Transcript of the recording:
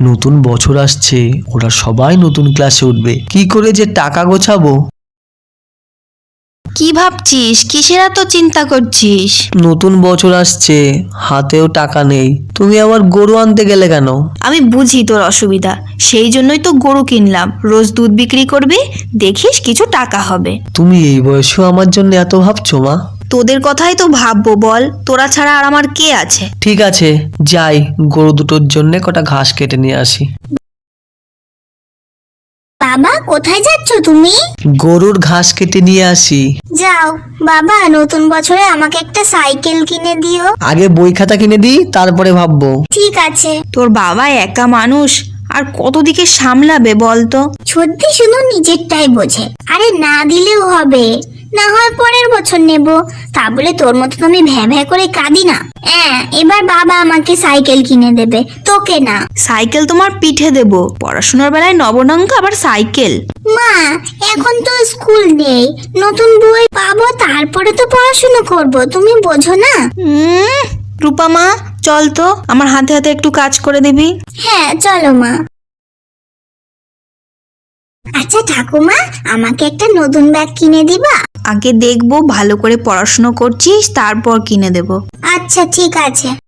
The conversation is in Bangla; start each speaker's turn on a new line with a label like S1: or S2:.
S1: নতুন বছর আসছে, ওরা সবাই নতুন ক্লাসে উঠবে, কি করে যে টাকা গোছাবো।
S2: কি ভাবছিস? কিসের এত চিন্তা করছিস?
S1: নতুন বছর আসছে, হাতেও টাকা নেই, তুমি আবার গরু আনতে গেলে কেন?
S2: আমি বুঝি তোর অসুবিধা, সেই জন্যই তো গরু কিনলাম। রোজ দুধ বিক্রি করবি, দেখিস কিছু টাকা হবে।
S1: তুমি এই বয়সেও আমার জন্য এত ভাবছো মা?
S2: তোদের কথাই তো ভাববো বল, তোরা ছাড়া আর আমার কে আছে?
S1: ঠিক আছে, যাই গরু দুটোর জন্য কটা ঘাস কেটে নিয়ে আসি।
S3: বাবা, কোথায় যাচ্ছ তুমি?
S1: গরুর ঘাস কেটে নিয়ে আসি।
S3: যাও বাবা, নতুন বছরে আমাকে একটা সাইকেল কিনে দিও।
S1: আগে বই খাতা কিনে দিই, তারপরে ভাববো।
S3: ঠিক আছে।
S2: তোর বাবা একা মানুষ, আর কত দিকে সামলাবে বলতো?
S3: সত্যি শুধু নিজেরটাই বোঝে। আরে না দিলেও হবে, না হয় পরের বছর নেব। তা বলে তোর মতো তো আমি ভ্যা ভ্যা করে কাঁদি না। এবার বাবা আমাকে সাইকেল কিনে দেবে, তোকে না।
S2: সাইকেল তোমার পিঠে দেব, পড়াশোনার বেলায় নবনঙ্ক আবার সাইকেল?
S3: মা, এখন তো স্কুল নেই, নতুন বই পাবো, তারপরে তো পড়াশোনা করব, তুমি বোঝো না?
S2: রূপা মা, চল তো আমার হাতে হাতে একটু কাজ করে দিবি।
S3: হ্যাঁ চলো মা। আচ্ছা ঠাকুমা, আমাকে একটা নতুন ব্যাগ কিনে দিবা?
S2: আগে দেখবো ভালো করে পড়াশোনা করছিস, তারপর কিনে দেব।
S3: আচ্ছা ঠিক আছে।